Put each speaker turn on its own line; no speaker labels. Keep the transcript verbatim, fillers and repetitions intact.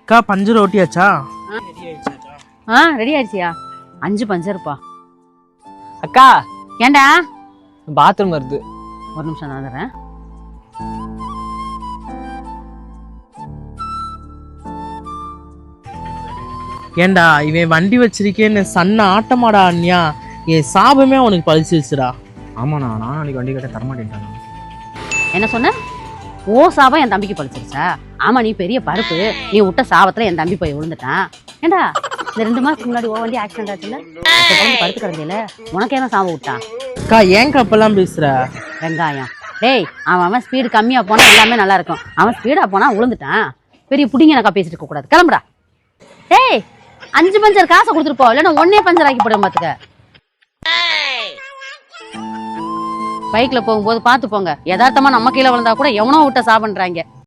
அக்கா பஞ்சர் ஓட்டியாச்சா?
ஆ ரெடி ஆயிடுச்சியா? அஞ்சு பஞ்சருப்பா.
அக்கா
ஏண்டா?
பாத்ரூம் வருது,
ஒரு நிமிஷம் நான் வந்துடுறேன்.
ஏண்டா இவன் வண்டி வச்சிருக்கேன்னு சன்ன ஆட்டமாடா அண்ணியா, என் சாபமே அவனுக்கு பழிச்சிருச்சுடா.
ஆமாண்ணா, நான் நாளைக்கு வண்டி கேட்ட தரமாட்டேன்ட்டாண்ணா.
என்ன சொன்ன? ஓ சாபம் என் தம்பிக்கு பழிச்சிருச்சா? ஆமா, நீ பெரிய பருப்பு. நீ விட்ட சாபத்துல என் தம்பி போய் விழுந்துட்டான். ஏண்டா இந்த ரெண்டு மாசத்துக்கு முன்னாடி ஓ வண்டி ஆக்சிடென்ட் ஆச்சுல்ல, படுத்து கிடந்தில, உனக்கு என்ன சாபம் விட்டான்?
அக்கா ஏன் கப்பெல்லாம் பேசுற?
வெங்காயம் டேய், அவன் அவன் ஸ்பீடு கம்மியா போனா எல்லாமே நல்லா இருக்கும். அவன் ஸ்பீடா போனா விழுந்துட்டான். பெரிய புடிங்க எனக்கா பேசிட்டு இருக்க கூடாது. கிளம்புடா. டேய், அஞ்சு பஞ்சர் காசை கொடுத்துட்டு போ, இல்லைன்னா ஒன்னே பஞ்சர் ஆக்கி போடுவேன் பாத்துக்க. பைக்ல போகும்போது பாத்து போங்க. யதார்த்தமா நம்ம கீழே விழுந்தா கூட எவனோ விட்ட சாபன்றாங்க.